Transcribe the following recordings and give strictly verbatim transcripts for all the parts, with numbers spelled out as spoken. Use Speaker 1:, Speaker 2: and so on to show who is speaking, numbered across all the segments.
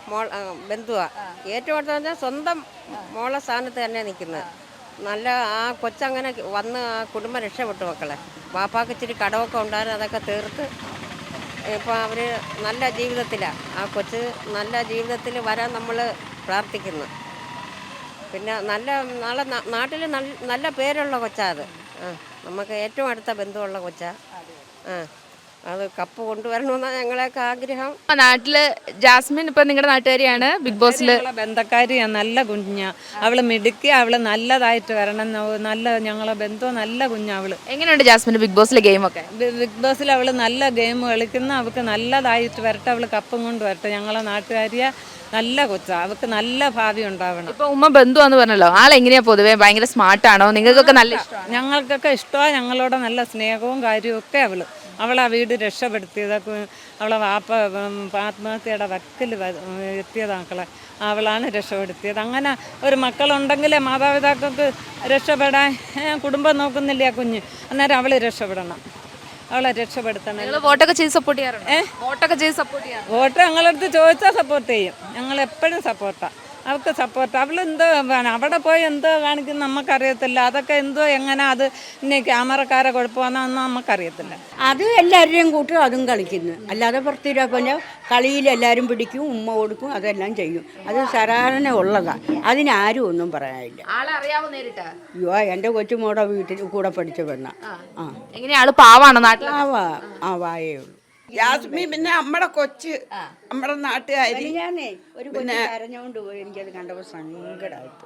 Speaker 1: മോൾ ബന്ധുവാ. ഏറ്റവും അടുത്ത് പറഞ്ഞാൽ സ്വന്തം മോളെ സ്ഥാനത്ത് തന്നെ നിൽക്കുന്നത്. നല്ല ആ കൊച്ചങ്ങനെ വന്ന് ആ കുടുംബം രക്ഷപ്പെട്ടു മക്കളെ. വാപ്പാക്ക് ഇച്ചിരി കടമൊക്കെ ഉണ്ടായിരുന്നു, അതൊക്കെ തീർത്ത് ഇപ്പോൾ അവർ നല്ല ജീവിതത്തിലാണ്. ആ കൊച്ച് നല്ല ജീവിതത്തിൽ വരാൻ നമ്മൾ പ്രാർത്ഥിക്കുന്നു. പിന്നെ നല്ല നാളെ നാട്ടിൽ നല്ല പേരുള്ള കൊച്ചാ അത്. ആ നമുക്ക് ഏറ്റവും അടുത്ത ബന്ധുവുള്ള കൊച്ചാ. ആ അത് കപ്പ് കൊണ്ടുവരണമെന്നാണ് ഞങ്ങളെയൊക്കെ ആഗ്രഹം.
Speaker 2: നാട്ടില് ജാസ്മിൻ ഇപ്പൊ നിങ്ങളുടെ നാട്ടുകാരിയാണ്, ബിഗ് ബോസിൽ
Speaker 3: ബന്ധക്കാരിയാണ്, നല്ല കുഞ്ഞാ അവള് മിടുക്കി, അവള് നല്ലതായിട്ട് വരണം, നല്ല ഞങ്ങളെ ബന്ധം നല്ല കുഞ്ഞാ അവള്.
Speaker 2: എങ്ങനെയുണ്ട് ജാസ്മിൻ ബിഗ് ബോസിലെ ഗെയിമൊക്കെ?
Speaker 3: ബിഗ് ബോസിൽ അവള് നല്ല ഗെയിം കളിക്കുന്ന, അവൾക്ക് നല്ലതായിട്ട് വരട്ടെ, അവള് കപ്പും കൊണ്ട് വരട്ടെ. ഞങ്ങളെ നാട്ടുകാരിയ നല്ല കൊച്ചാ, അവൾക്ക് നല്ല ഭാവി ഉണ്ടാവണം.
Speaker 2: ഇപ്പൊ ഉമ്മ ബന്ധുവാന്ന് പറഞ്ഞല്ലോ, ആളെങ്ങനെയാ പൊതുവേ? ഭയങ്കര സ്മാർട്ടാണോ? നിങ്ങൾക്കൊക്കെ നല്ല ഇഷ്ടമാണ്?
Speaker 3: ഞങ്ങൾക്കൊക്കെ ഇഷ്ടമാണ്, ഞങ്ങളോട് നല്ല സ്നേഹവും കാര്യവും ഒക്കെ അവള്. അവളെ വീട് രക്ഷപ്പെടുത്തിയതൊക്കെ, അവളെ വാപ്പ ആത്മഹത്യയുടെ വക്കിൽ എത്തിയത് മക്കളെ അവളാണ് രക്ഷപ്പെടുത്തിയത്. അങ്ങനെ ഒരു മക്കളുണ്ടെങ്കിൽ മാതാപിതാക്കൾക്ക് രക്ഷപ്പെടാൻ കുടുംബം നോക്കുന്നില്ല കുഞ്ഞ്, അന്നേരം അവൾ രക്ഷപ്പെടണം, അവളെ രക്ഷപ്പെടുത്തണം.
Speaker 2: നിങ്ങൾ വോട്ടൊക്കെ ചെയ്ത് സപ്പോർട്ട് ചെയ്യാറുണ്ട്? ഏഹ് വോട്ടൊക്കെ ചെയ്ത് സപ്പോർട്ട് ചെയ്യാറുണ്ട്?
Speaker 3: വോട്ട് ഞങ്ങളടുത്ത് ചോദിച്ചാൽ സപ്പോർട്ട് ചെയ്യും, ഞങ്ങൾ എപ്പോഴും സപ്പോർട്ടാണ് അവൾക്ക് സപ്പോർട്ട്. അവളെന്തോ അവിടെ പോയി എന്തോ കാണിക്കുന്ന നമുക്കറിയത്തില്ല, അതൊക്കെ എന്തോ എങ്ങനെ അത് ഇനി ക്യാമറക്കാരെ കുഴപ്പമാണെന്നൊന്നും നമുക്കറിയത്തില്ല.
Speaker 4: അത് എല്ലാവരുടെയും കൂട്ടും അതും കളിക്കുന്നു, അല്ലാതെ പുറത്തിരാ പോലെ കളിയിൽ എല്ലാവരും പിടിക്കും, ഉമ്മ കൊടുക്കും, അതെല്ലാം ചെയ്യും. അത് സാധാരണ ഉള്ളതാണ്, അതിനാരും ഒന്നും പറയാനില്ല. അയ്യോ എൻ്റെ കൊച്ചുമോടെ വീട്ടിൽ കൂടെ പഠിച്ച പെണ്ണ. ആ
Speaker 2: എങ്ങനെയാ? ആള് പാവാണോ? നാട്ടിൽ
Speaker 4: ആവാ ആ വായേ ഉള്ളൂ.
Speaker 5: യാസ്മി പിന്നെ നമ്മുടെ കൊച്ച്, നമ്മുടെ നാട്ടുകാരി.
Speaker 4: ഞാനേ ഒരു കൊച്ചു കരഞ്ഞോണ്ട് പോയി, എനിക്കത് കണ്ടപ്പോൾ സങ്കടമായിട്ട്.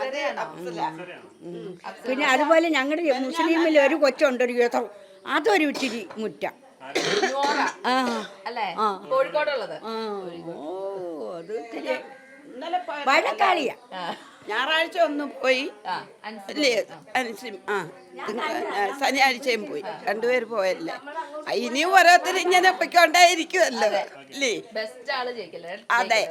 Speaker 4: പിന്നെ അതുപോലെ ഞങ്ങളുടെ മുസ്ലിമിൽ ഒരു കൊച്ചുണ്ട്, ഒരു യുദ്ധം, അതൊരു ഇച്ചിരി മുറ്റ. ആ ആ
Speaker 2: കോഴിക്കോടുള്ളത്.
Speaker 4: ഓ അത് ഇത്തിരി വഴക്കാളിയാ.
Speaker 5: ഞായറാഴ്ച ഒന്ന് പോയി അല്ലേ, ആ ശനിയാഴ്ചയും പോയി, രണ്ടുപേര് പോയല്ലേ. ഇനിയും ഓരോരുത്തർ ഇങ്ങനെ പൊയ്ക്കൊണ്ടേയിരിക്കുമല്ലോ അല്ലേ. അതെ,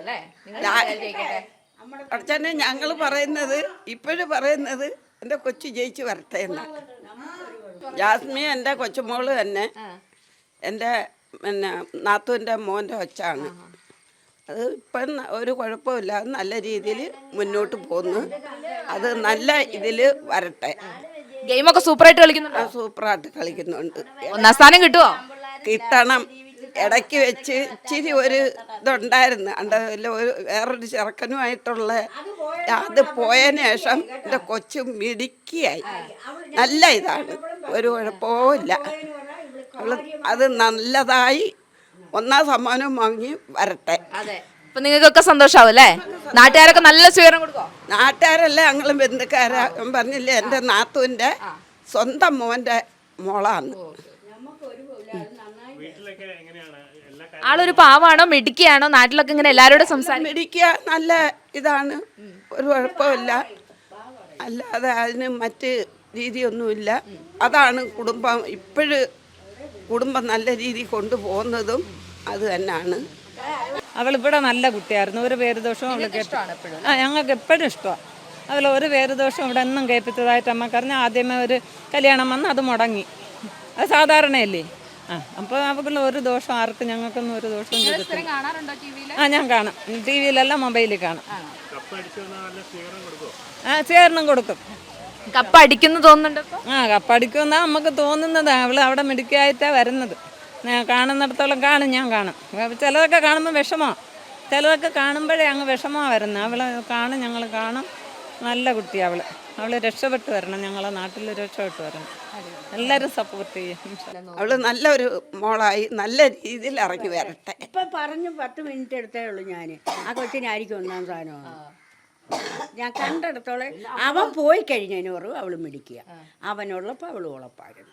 Speaker 5: അച്ഛനെ ഞങ്ങൾ പറയുന്നത് ഇപ്പോഴും പറയുന്നത് എൻ്റെ കൊച്ചു ജയിച്ച് വരട്ടെ എന്നാണ്. ജാസ്മി എൻ്റെ കൊച്ചുമോള് തന്നെ എൻ്റെ പിന്നെ നാത്തൂൻ്റെ മോൻ്റെ ഒച്ചാണ്. അത് ഇപ്പം ഒരു കുഴപ്പമില്ല, നല്ല രീതിയിൽ മുന്നോട്ട് പോകുന്നു. അത് നല്ല ഇതിൽ വരട്ടെ.
Speaker 2: ഗെയിമൊക്കെ സൂപ്പറായിട്ട് കളിക്കുന്നുണ്ട്.
Speaker 5: സൂപ്പറായിട്ട് കളിക്കുന്നുണ്ട്.
Speaker 2: ഒന്നാം സ്ഥാനം കിട്ടുമോ?
Speaker 5: കിട്ടണം. ഇടയ്ക്ക് വെച്ച് ഇച്ചിരി ഒരു ഇതുണ്ടായിരുന്നു, അണ്ട ഒരു വേറൊരു ചെറുക്കനുമായിട്ടുള്ള അത് പോയതിന് ശേഷം എൻ്റെ കൊച്ചു മിടുക്കിയായി, നല്ല ഇതാണ്, ഒരു കുഴപ്പവും ഇല്ല. അവൾ അത് നല്ലതായി ഒന്നാം സമ്മാനം വാങ്ങി വരട്ടെ.
Speaker 2: അപ്പൊ നിങ്ങൾക്കൊക്കെ സന്തോഷാവും അല്ലേ? നാട്ടുകാരൊക്കെ നല്ല സ്വീകരണം കൊടുക്കോ?
Speaker 5: നാട്ടുകാരല്ല, ഞങ്ങളും ബന്ധുക്കാരാ. പറഞ്ഞില്ലേ, എൻ്റെ നാത്തൂൻ്റെ സ്വന്തം മോൻ്റെ മോളാണ്.
Speaker 2: ആളൊരു പാവാണോ മിടുക്കിയാണോ? നാട്ടിലൊക്കെ ഇങ്ങനെ എല്ലാവരോടും സംസാരിക്കും?
Speaker 5: മിടുക്കിയ നല്ല ഇതാണ്, ഒരു കുഴപ്പമില്ല, അല്ലാതെ അതിന് മറ്റ് രീതിയൊന്നുമില്ല. അതാണ് കുടുംബം ഇപ്പോഴും കുടുംബം നല്ല രീതിയിൽ കൊണ്ടുപോകുന്നതും അത് തന്നെയാണ്.
Speaker 3: അവളിവിടെ നല്ല കുട്ടിയായിരുന്നു, ഒരു പേരുദോഷവും അവൾ കേട്ടു. ആ ഞങ്ങൾക്ക് എപ്പോഴും ഇഷ്ടമാണ് അവൾ. ഒരു പേരുദോഷം ഇവിടെ എന്നും കേൾപ്പിച്ചതായിട്ട് നമുക്കറിഞ്ഞാൽ ആദ്യമേ ഒരു കല്യാണം വന്ന് അത് മുടങ്ങി, അത് സാധാരണയല്ലേ. ആ അപ്പോൾ അവൾക്കുള്ള ഒരു ദോഷം ആർക്കും ഞങ്ങൾക്കൊന്നും ഒരു ദോഷവും ചെയ്തിട്ടില്ല. ആ ഞാൻ കാണാം, ടി വിയിലല്ല മൊബൈലിൽ കാണാം. ആ സ്വീകരണം കൊടുക്കും.
Speaker 2: കപ്പ് അടിക്കുന്നു തോന്നുന്നുണ്ട്.
Speaker 3: ആ കപ്പടിക്കുമെന്നാ നമുക്ക് തോന്നുന്നത്. അവൾ അവിടെ മിടുക്കിയായിട്ടാണ് വരുന്നത്. കാണുന്നിടത്തോളം കാണും, ഞാൻ കാണും. ചിലതൊക്കെ കാണുമ്പോൾ വിഷമമാണ്, ചിലതൊക്കെ കാണുമ്പോഴേ അങ്ങ് വിഷമമാണ് വരുന്നത്. അവളെ കാണും, ഞങ്ങൾ കാണും. നല്ല കുട്ടിയാണ് അവൾ. അവൾ രക്ഷപ്പെട്ട് വരണം, ഞങ്ങളെ നാട്ടിൽ രക്ഷപ്പെട്ട് വരണം. എല്ലാവരും സപ്പോർട്ട് ചെയ്യും.
Speaker 5: അവൾ നല്ലൊരു മോളായി നല്ല രീതിയിൽ ഇറങ്ങി വരട്ടെ.
Speaker 4: ഇപ്പം പറഞ്ഞു പത്ത് മിനിറ്റ് എടുത്തേ ഉള്ളൂ ഞാൻ. ആ കൊച്ചിനായിരിക്കും ഒന്നാം സ്ഥാനമാണ് ഞാൻ കണ്ടെടുത്തോളം. അവൻ പോയി കഴിഞ്ഞതിന് പറയും അവൾ മിടിക്കുക, അവനുള്ളപ്പോൾ അവൾ ഉളപ്പായിരുന്നു.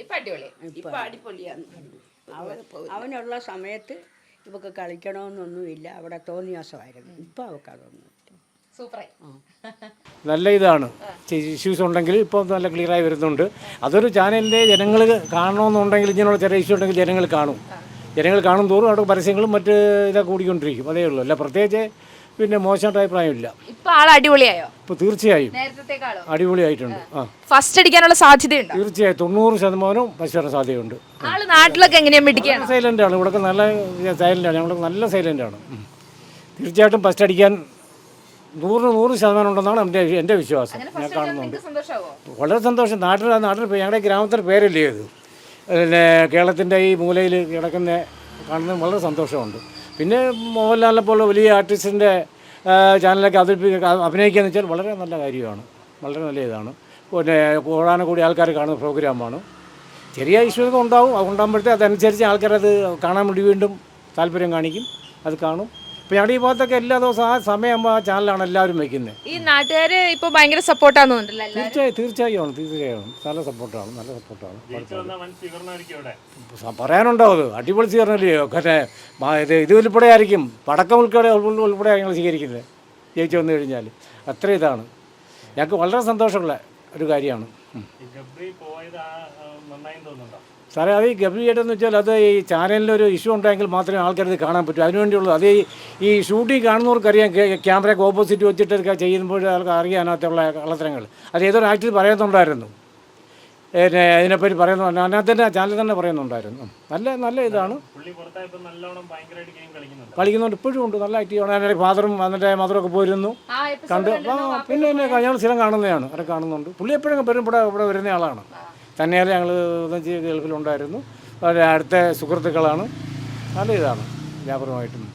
Speaker 4: അവനുള്ള സമയത്ത് ഇവക്ക് കളിക്കണമെന്നൊന്നുമില്ല, അവിടെ തോന്നിയാസമായിരുന്നു. ഇപ്പം അവൾക്ക് അതൊന്നും
Speaker 6: നല്ല ഇതാണ്. ഇഷ്യൂസ് ഉണ്ടെങ്കിൽ ഇപ്പോൾ നല്ല ക്ലിയറായി വരുന്നുണ്ട്. അതൊരു ചാനലിൻ്റെ ജനങ്ങൾ കാണണമെന്നുണ്ടെങ്കിൽ, ഇങ്ങനെയുള്ള ചെറിയ ഇഷ്യൂ ഉണ്ടെങ്കിൽ ജനങ്ങൾ കാണും. ജനങ്ങൾ കാണും തോറും അവിടെ പരസ്യങ്ങളും മറ്റ് ഇതൊക്കെ കൂടിക്കൊണ്ടിരിക്കും. അതേ ഉള്ളൂ, അല്ല പ്രത്യേകിച്ച് പിന്നെ മോശമായിട്ട് അഭിപ്രായമില്ല.
Speaker 2: ഇപ്പോൾ ആൾ അടിപൊളിയായോ?
Speaker 6: ഇപ്പോൾ തീർച്ചയായും അടിപൊളിയായിട്ടുണ്ട്. ആ
Speaker 2: ഫസ്റ്റ് അടിക്കാനുള്ള സാധ്യതയുണ്ട്.
Speaker 6: തീർച്ചയായും തൊണ്ണൂറ് ശതമാനവും ഫസ്റ്റ് വരാൻ സാധ്യതയുണ്ട്.
Speaker 2: ആള് നാട്ടിലൊക്കെ എങ്ങനെയാ മിടിക്കുകയാണ്?
Speaker 6: സൈലൻ്റ് ആണ്, ഇവിടെ നല്ല സൈലൻ്റ് ആണ്, ഞങ്ങൾ നല്ല സൈലൻ്റ് ആണ്. തീർച്ചയായിട്ടും ഫസ്റ്റ് അടിക്കാൻ നൂറിന് നൂറ് ശതമാനം ഉണ്ടെന്നാണ് എൻ്റെ എൻ്റെ വിശ്വാസം. ഞാൻ കാണുന്നുണ്ട്. വളരെ സന്തോഷം. നാട്ടിൽ നാട്ടിൽ ഞങ്ങളുടെ ഗ്രാമത്തിൻ്റെ പേരല്ലേ ഇത്, പിന്നെ കേരളത്തിൻ്റെ ഈ മൂലയിൽ കിടക്കുന്ന കാണുന്നത് വളരെ സന്തോഷമുണ്ട്. പിന്നെ മോഹൻലാലിനെ പോലെ വലിയ ആർട്ടിസ്റ്റിൻ്റെ ചാനലൊക്കെ അവതരിപ്പിക്കുക അഭിനയിക്കുക എന്ന് വെച്ചാൽ വളരെ നല്ല കാര്യമാണ്, വളരെ നല്ല ഇതാണ്. പിന്നെ കൂടാനും കൂടി ആൾക്കാർ കാണുന്ന പ്രോഗ്രാമാണ്. ചെറിയ ഇഷ്യൂസ് ഉണ്ടാവും, അത് ഉണ്ടാകുമ്പോഴത്തേ അതനുസരിച്ച് ആൾക്കാരത് കാണാൻ വേണ്ടി വീണ്ടും താല്പര്യം കാണിക്കും, അത് കാണും. ഇപ്പോൾ ഞങ്ങളുടെ ഈ ഭാഗത്തൊക്കെ എല്ലാ ദിവസവും ആ സമയമാകുമ്പോൾ ആ ചാനലാണ് എല്ലാവരും വയ്ക്കുന്നത്.
Speaker 2: ഈ നാട്ടുകാർ ഇപ്പോൾ ഭയങ്കര സപ്പോർട്ടാന്ന് തോന്നുന്നില്ല.
Speaker 6: തീർച്ചയായും തീർച്ചയായും ആണ്, തീർച്ചയായും നല്ല സപ്പോർട്ടാണ്, നല്ല സപ്പോർട്ടാണ്. പറയാനുണ്ടാവും, അത് അടിപൊളി സ്വീകരണമല്ലേ. മറ്റേ ഇത് ഇത് ഉൾപ്പെടെ ആയിരിക്കും, പടക്കം ഉൾപ്പെടെ ഉൾപ്പെടെ ഞങ്ങൾ സ്വീകരിക്കുന്നത് ജയിച്ചു വന്നു കഴിഞ്ഞാൽ. അത്ര ഇതാണ്, ഞങ്ങൾക്ക് വളരെ സന്തോഷമുള്ള ഒരു കാര്യമാണ്. സാറേ, അത് ഈ ഗബ്രിയേറ്റെന്ന് വെച്ചാൽ അത് ഈ ചാനലിലൊരു ഇഷ്യൂ ഉണ്ടെങ്കിൽ മാത്രമേ ആൾക്കാരത് കാണാൻ പറ്റൂ. അതിനുവേണ്ടിയുള്ളൂ. അത് ഈ ഷൂട്ടിങ് കാണുന്നവർക്കറിയാം, ക്യാമറയ്ക്ക് ഓപ്പോസിറ്റ് വെച്ചിട്ടൊക്കെ ചെയ്യുമ്പോൾ ആൾക്ക് അറിയാം അതിനകത്തുള്ള കള്ളത്തരങ്ങൾ. അത് ഏതൊരു ആക്ടിൽ പറയുന്നുണ്ടായിരുന്നു, പിന്നെ അതിനെപ്പറ്റി പറയുന്നു, അതിനകത്ത് തന്നെ ചാനൽ തന്നെ പറയുന്നുണ്ടായിരുന്നു. നല്ല നല്ല ഇതാണ്, കളിക്കുന്നുണ്ട്, ഇപ്പോഴും ഉണ്ട്, നല്ല ആക്റ്റീവാണ്. അതിൻ്റെ ഫാദറും അതിൻ്റെ മദറൊക്കെ പോയിരുന്നു കണ്ട്. ആ പിന്നെ പിന്നെ ഞങ്ങൾ സ്ഥിരം കാണുന്നതാണ്, അവിടെ കാണുന്നുണ്ട്. പുള്ളി എപ്പോഴും വരും, ഇവിടെ ഇവിടെ വരുന്ന ആളാണ്. തന്നെയല്ല ഞങ്ങൾ ഗൾഫിലുണ്ടായിരുന്നു, അടുത്ത സുഹൃത്തുക്കളാണ്. നല്ല ഇതാണ് വ്യാപകമായിട്ടും.